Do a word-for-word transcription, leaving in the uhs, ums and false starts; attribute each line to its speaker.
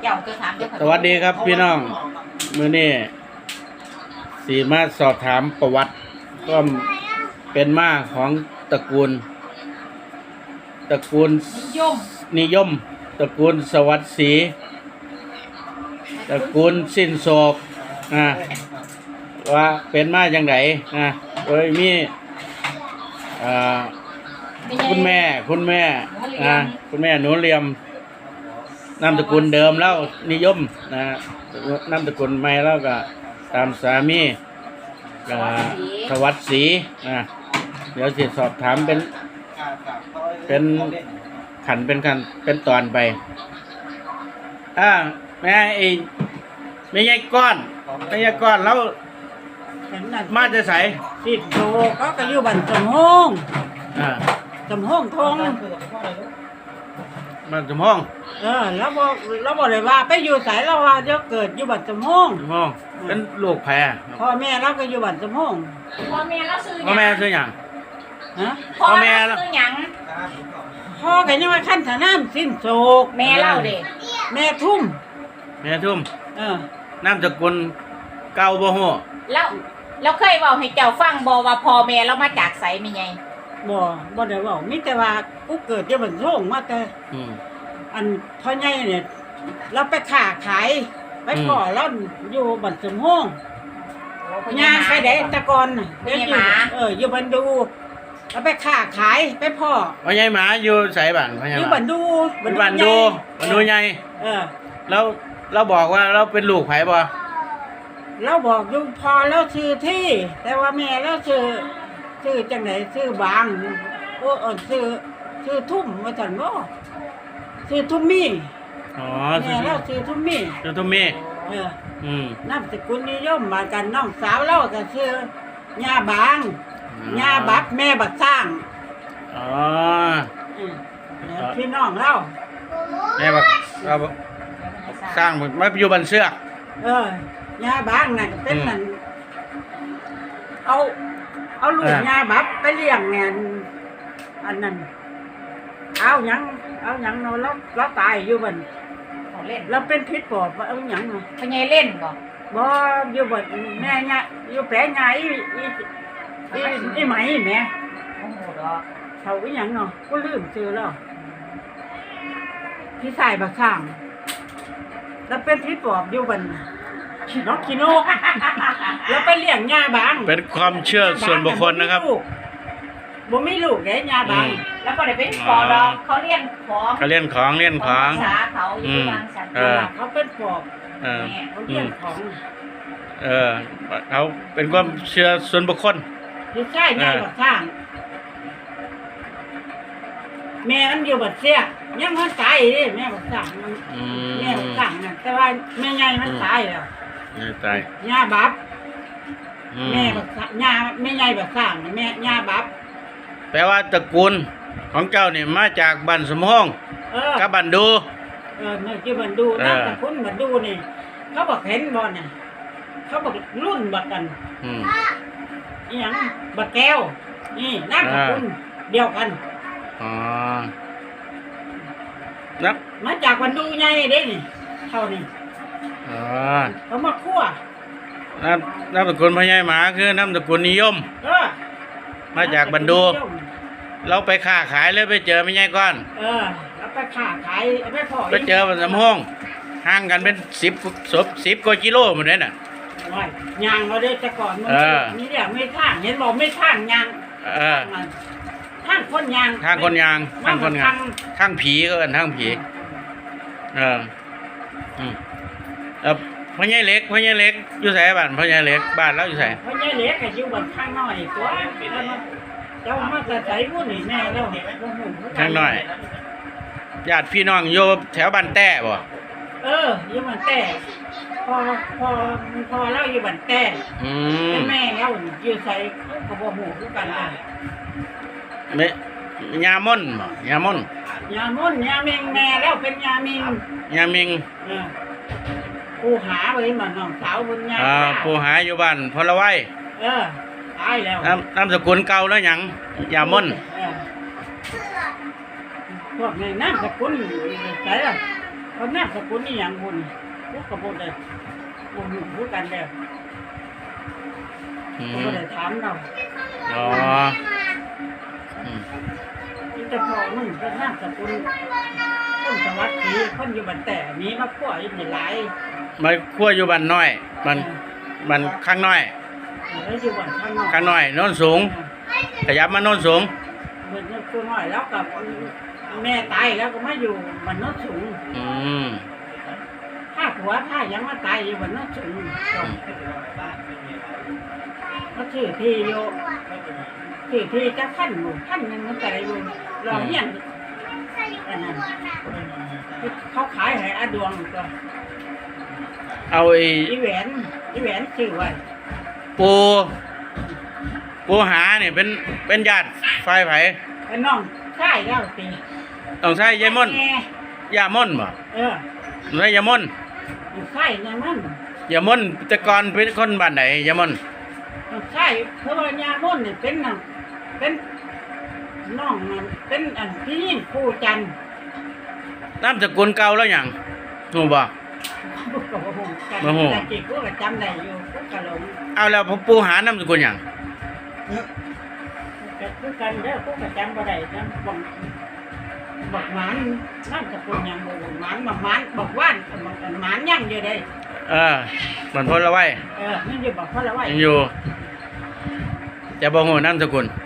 Speaker 1: เจ้าจะถามเจ้า
Speaker 2: สวัสดีครับพี่น้องมื้อนี้สีมาสอบถามประวัติก็เป็นมาของตระกูลตระกูล
Speaker 1: นิยม
Speaker 2: นิยมตระกูลสวัสดิ์ศรีตระกูลสิ้นโศกนะว่าเป็นมาอย่างไรนะโดยมีอ่าคุณแม่คุณแม่นะคุณแม่หนูเรียมนามสกุลเดิมแล้วนิยมนะนามสกุลใหม่แล้วก็ตามสามีก็สวัสดิ์ศรีนะเดี๋ยวสิสอบถามเป็นเป็นขันเป็นขันเป็นตอนไปอ่าแม่ไอ้ไม่ใช่ก้อนไม่ใช่ก้อนแล้วมาจะใส่
Speaker 3: สิบโตก็ก็อยู่บ้านสมหง
Speaker 2: อ่า
Speaker 3: สมหงทง
Speaker 2: มาสมห้อง
Speaker 3: เออแล้วบ่แล้วบ่ได้ว่าไปอยู่ไสแล้วว่าเดี๋ยวเกิดอยู่บ้านสมหง
Speaker 2: สมห้องเป็นลูกแพร
Speaker 3: พ่อแม่เราก็อยู่บ้านสมหง
Speaker 1: พ่อแม่เราซื้อห
Speaker 2: พ่อ
Speaker 1: ยัง
Speaker 2: แม่ซื้อหยัง
Speaker 3: ฮะ
Speaker 1: พ่อ
Speaker 2: พ่อแม่
Speaker 1: แม่เราซื้อหยัง
Speaker 3: พ่อก็ยังว่าขั้นถนามสิ้นโศก
Speaker 1: แม่เล่าเด็
Speaker 3: แม่ทุ่ม
Speaker 2: แม่ทุ่ม
Speaker 3: เออน
Speaker 2: ามสกุลเก่าบ่ฮู้
Speaker 1: แล้วเราเคยบอกให้เจ้าฟังบอว่าพ่อแม่เรามาจากไสมีไง
Speaker 3: บ่บ่ได้เว้ามีแต่ว่ากูเกิดอยู่บ้านสมหงมาแต่
Speaker 2: อืม
Speaker 3: อันพ่อใหญ่เนี่ยเราไปค้าขายไป
Speaker 2: อืม
Speaker 3: พ่อเราอยู่บ้านสมหง ย่างไปได้แตะกอนน่ะ
Speaker 1: เป็
Speaker 3: เดี๋ย
Speaker 1: น
Speaker 3: ว
Speaker 1: ไง
Speaker 3: อยู่
Speaker 1: หมา
Speaker 3: เอออยู่บันดูแล้วไปค้าขายไปพ่อ
Speaker 2: พ่อใหญ่หมาอยู่ไสบ้านพ่อใหญ่
Speaker 3: อยู่
Speaker 2: ห
Speaker 3: บั
Speaker 2: มาน
Speaker 3: ดู
Speaker 2: บ้านดูบ้านดูใหญ่
Speaker 3: เออ
Speaker 2: แล้วเราบอกว่าเราเป็นลูกไผบ่
Speaker 3: เราบอกอยู่พอแล้วชื่อที่ แต่ว่าแม่แล้วชื่อชื่อจังไหนชื่อบางโอ้เออชื่อชื่อทุ่มว่าซั่นบ่ชื่อทุ่มมี่
Speaker 2: อ๋อ
Speaker 3: แม่เราชื่อทุ่มมี่
Speaker 2: ชื่อทุ่มมี
Speaker 3: เออ
Speaker 2: อืม
Speaker 3: นามสกุลนิยมมากันน้องสาวเราก็ชื่อย่าบางย่าบับแม่บักสร้าง
Speaker 2: อ๋อ
Speaker 3: อืมแล้วพี่น้องเรา
Speaker 2: แม่บอกเราสร้างมาอยู่บ้านเสือก
Speaker 3: เออยาบ้างน่ะเป็นนั่นเอาเอาลูกยาบับไปเลี้ยงเนี่ยอันนั้นเอาหยังเอาหยังเนาะแล้วแล้วตายอยู่บัน
Speaker 1: เขาเล่น
Speaker 3: แล้วเป็นพิษปอบว่าเอาหยังเนาะ
Speaker 1: พ่อใหญ่เล่นบ่
Speaker 3: บ่อยู่บันแม่เนี่ยอยู่แผลใหญ่อีอีอีอีไหมแม่
Speaker 1: โอ้โหดอก
Speaker 3: เขาอีหยังเนาะก็ลืมชื่อแล้วพี่ชายบักข้างแล้วเป็นพิษปอบอยู่บันน้องกิโนกแล้วไปเลี้ยงยาบาง
Speaker 2: เป็นความเชื่อส่วนบุคคลนะครับ
Speaker 3: บ่มีลูกเด้ยาบาง
Speaker 2: อืม
Speaker 1: แล้วก็ได้เป็นปอดอกเขาเลี้ยงของ
Speaker 2: เขาเล่นของเล่นของ
Speaker 1: ภาษาเขาอยู่บางสัน
Speaker 2: เออ
Speaker 3: เขาเป็นปอบ
Speaker 2: เออ
Speaker 3: เขาเลี้ยงของ
Speaker 2: เออเขาเป็นความเชื่อส่วนบุคคล
Speaker 3: พี่ชายแม่บักข้างแม่มันอยู่บัดเสียยังมันตายเด้แม่บักข้างมัน
Speaker 2: อื
Speaker 3: แม่บั
Speaker 2: ม
Speaker 3: กข้างน่ะแต่ว่าแม่ใหญ่มันตายแล้ว
Speaker 2: นี่ตาย
Speaker 3: ย่าบับ
Speaker 2: อื
Speaker 3: แม่บักข้างย่าแม่ใหญ่บักข้างน่ะแม่ย่าบับ
Speaker 2: แปลว่าตระกูลของเจ้านี่มาจากบ้านสมห้อง
Speaker 3: เออ
Speaker 2: กับบ้านดู
Speaker 3: เออเนี่ยที่บันดู
Speaker 2: เออ
Speaker 3: น้ำตะคุณบันดูนี่เขาบอกเห็นบอลน่ะเขาบอกรุ่นบักกัน
Speaker 2: อืม
Speaker 3: อหยังบักแก้วนี่น้ำตะคุณเดียวกัน
Speaker 2: อ๋อนัก
Speaker 3: มาจากบันดูไงเด้นี่เท่านี้
Speaker 2: อ๋อ
Speaker 3: เขามาคั่ว
Speaker 2: น้ำน้ำตระกูลพญายหมาคือน้ำตระกูลนิยม
Speaker 3: เออ
Speaker 2: มาจากบันดู เราไปค้าขายเลยไปเจอไม่ใช่ก้อน
Speaker 3: เออแล้วไปค้าขายไปพอ
Speaker 2: ไปเจอบ้านสมห้องห่างกันเป็นสิบศพสิบกว่ากิโลหมดเลยน่ะ
Speaker 3: โอ้ยยางเราได้แต่ก่อนมัน
Speaker 2: เออ
Speaker 3: นี่เดี๋ยวไม่ท่างเห็นบอกไม่ท่างยาง
Speaker 2: เออ
Speaker 3: ท่างคนยาง
Speaker 2: ทางคนยางทางคนงาน
Speaker 3: ทาง
Speaker 2: ทางผีก็กันทางผีเอออืมเออพ่อใหญ่เล็กพ่อใหญ่เล็กอยู่ไสบ้านพ่อใหญ่เล็กบ้านเราอยู่ไส
Speaker 3: เพราะยายเล็กก็อยู่บนข้างน้อยตัวแล้วมันเจ้ามาแต่ใส่ผู้นี่แม่แล้ว
Speaker 2: ทางน้อยญาติพี่น้องอยู่แถวบ้านแต้บ่
Speaker 3: เอออยู่บันแต่พอพอพอเล่าอยู่บันแต่
Speaker 2: อืม
Speaker 3: แม่เล่าอยู่ใส่เขาบอกหูคือกันเลย
Speaker 2: แม่ยาม่อนบ่ยาม่อน
Speaker 3: ยามุ่นยาเมงแม่แล้วเป็นยาเมง
Speaker 2: ยามิง
Speaker 3: เออกูหาไว้มาน้องสาวบนยา
Speaker 2: อ่าผู้หาอยู่บ้านพลไว้
Speaker 3: เออตายแล้ว
Speaker 2: น้ำน้ำสกุลเก่าแล้วหยังยาม่อน
Speaker 3: เออพวกในน้ำสกุลใส่ละพเขาแนบสกุลนี่อย่างบุญพวกกระบุญเลยบุญอยู่พูดกันแล้ว
Speaker 2: อื
Speaker 3: เขา
Speaker 2: ม
Speaker 3: ก็เลยถามเรา
Speaker 2: อ๋ออืม
Speaker 3: ที่จะพอมึงก็แนบสกุลคนสวัสดีคนอยู่บันแต่มีมาขั้วอีกหลาย
Speaker 2: มาคั่วอยู่บ้านน้อยบ้านบ้านข้างน้อย
Speaker 3: แล้วอยู่บันข้างนอก
Speaker 2: ข้างน้อยโน้นสูง ขยับมาโน้นสูง
Speaker 3: เหมือนตัวน้อยแล้วกับแม่ตายแล้วก็มาอยู่บันโนนสูง
Speaker 2: อืม
Speaker 3: ถ้าผัวถ้ายังมาตายอยู่บันโนนสูงก็ถือที่อยู่ถือที่จะขั้นอยู่ขั้นหนึ่งมันแต่อยู่รอเฮียนอันนั้นเขาขายให้อาดวงก็
Speaker 2: เอาไอ้
Speaker 3: อีแหวนอีแหวนชื่อไว้
Speaker 2: ปูปูหาเนี่ยเป็นเป็นญาติฝ่ายไผ
Speaker 3: ไอ้น้องใช่แล้วตี
Speaker 2: ต้องใช้ยายม่น
Speaker 3: แม่
Speaker 2: ยาม่นบ่
Speaker 3: เออ
Speaker 2: ใช้ยาม่น
Speaker 3: ใช่ยังมัน
Speaker 2: ยาม่นแต่ก่อนเป็นคนบ้านไหนยาม่น
Speaker 3: ใช่เพราะว่ายาม่นเนี่ยเป็นน่ะเป็นน้องมันเป็นอันพี่ยิ่งคู่จันทร์
Speaker 2: นามสกุลเก่าแล้วหยังฮู้บ่
Speaker 3: พวกกับพวกกัน
Speaker 2: มาโห
Speaker 3: แต่กี่พวกก็จำได้อยู่พวกกะหลง
Speaker 2: เอาแล้วปูหานามสกุลหยัง
Speaker 3: แต่พวกกันเด้อพวกก็จำบ่ได้จำบอกบอกหมานนั่นจะเป็นหยังบ่บอกหมานบอกหมานบอกว่านบอกหมานยังอยู่เด้
Speaker 2: เออมันพ้นละไว้
Speaker 3: เออนี่อยู่บอกเพราะอะไรวะ
Speaker 2: ยังอยู่แต่บ่ฮู้นามสกุล